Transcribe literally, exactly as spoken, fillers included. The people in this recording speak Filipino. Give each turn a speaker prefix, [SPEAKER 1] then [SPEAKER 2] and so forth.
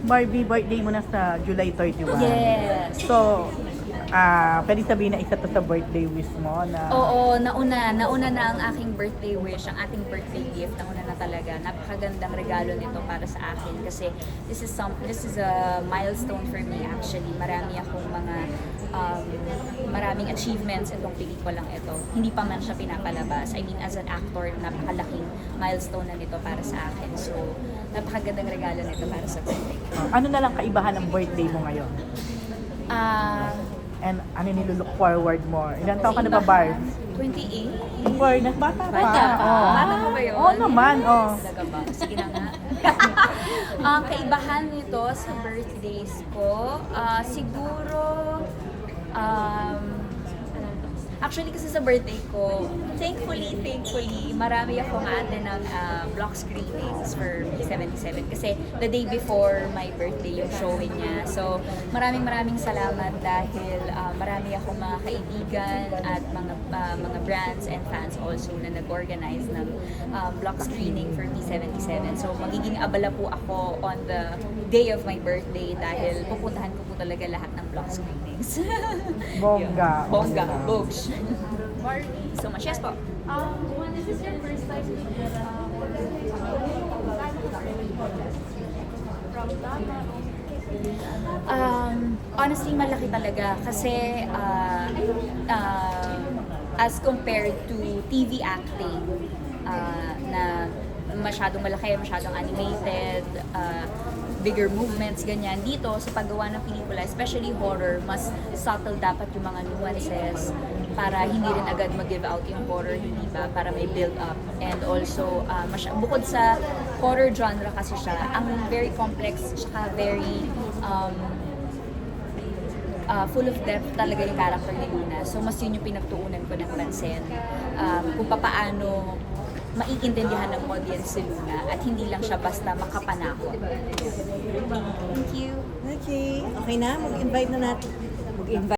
[SPEAKER 1] Barbie, birthday mo na sa July thirty-one.
[SPEAKER 2] Yes.
[SPEAKER 1] So, ah, pwede sabihin na isa to sa birthday wish mo na...
[SPEAKER 2] Oo, nauna. Nauna na ang aking birthday wish, ang ating birthday gift. Nauna na talaga. Napakagandang regalo nito para sa akin kasi this is some this is a milestone for me actually. Marami akong mga um, maraming achievements itong pelikulang ito. Hindi pa man siya pinapalabas. I mean, as an actor, napakalaking milestone na nito para sa akin. So, napakagandang regalo nito para sa birthday.
[SPEAKER 1] Ah, ano na lang kaibahan ng birthday mo ngayon?
[SPEAKER 2] Ah,
[SPEAKER 1] And ano nilulook forward mo? Ilan taon ka na ba, Barb?
[SPEAKER 2] twenty-eight?
[SPEAKER 1] Boy, nas bata pa.
[SPEAKER 2] Bata pa.
[SPEAKER 1] Oo.
[SPEAKER 2] Bata pa ba yun?
[SPEAKER 1] Oo naman, oo.
[SPEAKER 2] Talaga ba? Sige na nga. Ang kaibahan nito sa birthdays ko, ah, siguro, um, actually kasi sa birthday ko, thankfully, thankfully, marami akong ate ng ah, block screenings for B seventy-seven kasi the day before my birthday yung showing niya. So, maraming maraming salamat dahil ah, marami akong mga kaibigan at mga ah, mga brands and fans also na nag-organize ng ah, block screening for B seventy-seven. So, magiging abala po ako on the day of my birthday dahil pupuntahan ko po talaga lahat ng block screenings.
[SPEAKER 1] Bongga.
[SPEAKER 2] Yun. Bongga.
[SPEAKER 1] Bongga.
[SPEAKER 2] Bogs.
[SPEAKER 3] Barbie,
[SPEAKER 2] So much. Yes po.
[SPEAKER 3] um, when this is your first time with your uh, from Dama,
[SPEAKER 2] Um, honestly, malaki talaga kasi uh, uh, as compared to T V acting uh, na masyadong malaki, masyadong animated, uh, bigger movements, ganyan. Dito, sa paggawa ng pelikula, especially horror, mas subtle dapat yung mga nuances para hindi rin agad mag-give out yung horror, hindi ba? Para may build up. And also, uh, masya- bukod sa horror genre kasi siya, ang very complex, tsaka very um, uh, full of depth talaga yung character ni Luna. So, mas yun yung pinagtuunan ko ng pansin. Um, kung papaano maiintindihan ng audience si Luna at hindi lang siya basta makapanakot. Thank you.
[SPEAKER 4] Okay, okay na? Mag-invite na natin. Mag-invite.